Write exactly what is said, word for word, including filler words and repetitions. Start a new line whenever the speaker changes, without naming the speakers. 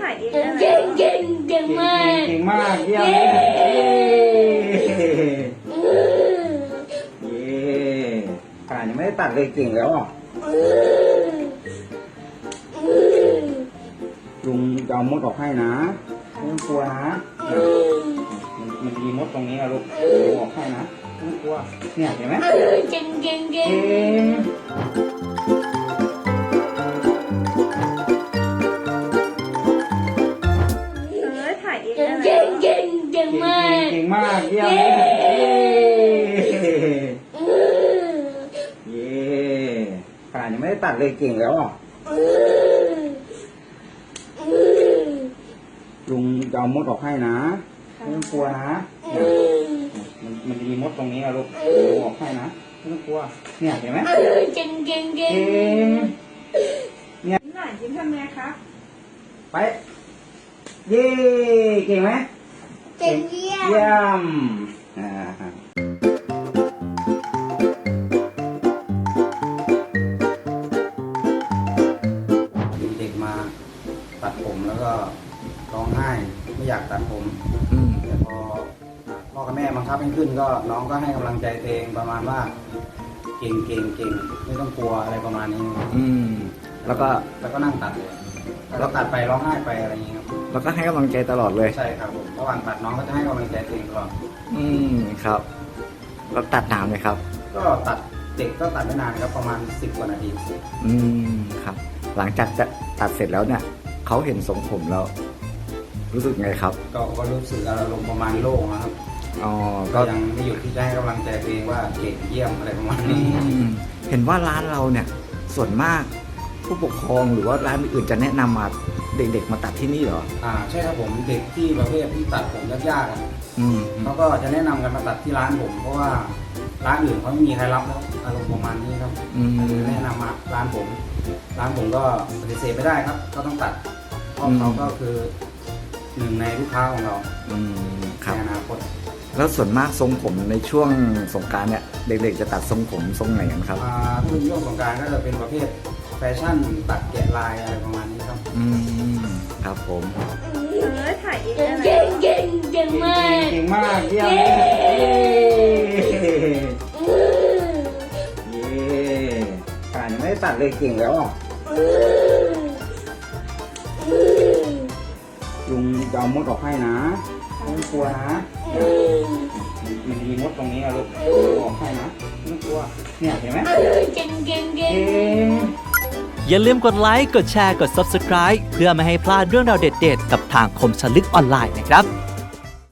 ายเอง
เก่งเก่งเก่งมาก
เก่งมากเยี่ยมเลยเย้ขนาดยังไม่ได้ตัดเลยเก่งแล้วอ่ะลุงจะเอามดออกให้นะไม่ต้องกลัวนะมันมันจะมีมดตรงนี้นะลูกลุงออกให้นะไม่ต้องกลัวเนี่ยเห็นไหม
เก่งเก่งเก่ง
เก่ง
เออถ่ายเอง
เก่งเก่งเก่งเก่งมาก
เก่งมากเยี่ยมเลยเย้ขนาดยังไม่ได้ตัดเลยเก่งแล้วอ่ะลุงจะเอามดออกให้นะไม่ต้องกลัวนะมันมันจะมีมดตรงนี้นะลูกลุงออกให้นะไม่ต้องกลัวเนี่ยเห็นไหม
เก่งเก่งเก่ง
เก่ง
ยิ้มหน่อยยิ้มทำไงครับ
ไปเย้เก่งไหม
เก่งเยี่ยม
เยี่ยมอ่าเด็กมาตัดผมแล้วก็ร้องไห้ไม่อยากตัดผมแต่พอพ่อกับแม่บังคับให้ขึ้นก็น้องก็ให้กำลังใจตัวเองประมาณว่าเก่งเก่งเก่งไม่ต้องกลัวอะไรประมาณนี้
อืมแล้วก็
แล้วก็นั่งตัดเลยแล้วก็ตัดไปร้องไห้ไปอะไรอย่างนี้ครับ
แล้วก็ให้กำลังใจตลอดเลย
ใช่ครับผมระหว่างตัดน้องก็จะให้กำลังใจตัวเองตลอด
อืมครับแล้วตัดนานไหมครับ
ก็ตัดเด็กก็ตัดไม่นานครับประมาณสิบกว่านาที
อืมครับ หลังจากจะตัดเสร็จแล้วเนี่ยเขาเห็นทรงผมแล้ว รู้สึกไงครับ
ก็ก็รู้สึกอารมณ์ประมาณโล่งนะครับ
อ๋อ
ก็
ก็
ยังไม่หยุดที่จะให้กำลังใจตัวเองว่าเก่งเยี่ยมอะไรประมาณ
อื
นี้
มเห็นว่าร้านเราเนี่ย ส่วนมากผู้ปกครองหรือว่าร้านอื่นจะแนะนำมาเด็กๆมาตัดที่นี่เหรอ
อ่าใช่ครับผมเด็กที่ประเภทที่ตัดผมยากๆอะ
อืม
เขาก็จะแนะนำกันมาตัดที่ร้านผม เพราะว่าร้านอื่นเขาไม่มีใครรับแล้วอารมณ์ประมาณนี้ครับ
อืม
แนะนำมาร้านผม ร้านผมก็ปฏิเสธไม่ได้ครับ ก็ต้องตัดเพราะเขาก็คือหนึ่งในลูกค้าของเรา
อืมครับ
ในอนาคต
แล้วส่วนมากทรงผมในช่วงสงกรานต์เนี่ย เด็กๆจะตัดทรงผมทรงไหนกันครับ
อ่าถ้าเป็นช่วงสงกรานต์ก็จะเป็นประเภทแฟชั่นตัดแกะลายอะไรประมาณนี้ครับ
อืมครับผม
เออถ่ายเอง
เก่งเก่งเก่งเก่งมาก
เก่งมากเยี่ยมเลยเย้ขนาดยังไม่ได้ตัดเลยเก่งแล้วอ่ะลุงจะเอามดออกให้นะไม่ต้องกลัวนะมันมีมดตรงนี้นะลูกลุงออกให้นะไม่ต้องกลัวเนี่ยเห็นไหม
เก่งเก่งเก่ง
เก่ง
อย่าลืมกดไลค์ กดแชร์ กด ซับสไครบ์ เพื่อไม่ให้พลาดเรื่องราวเด็ดๆ กับทางคมชลึกออนไลน์นะครับ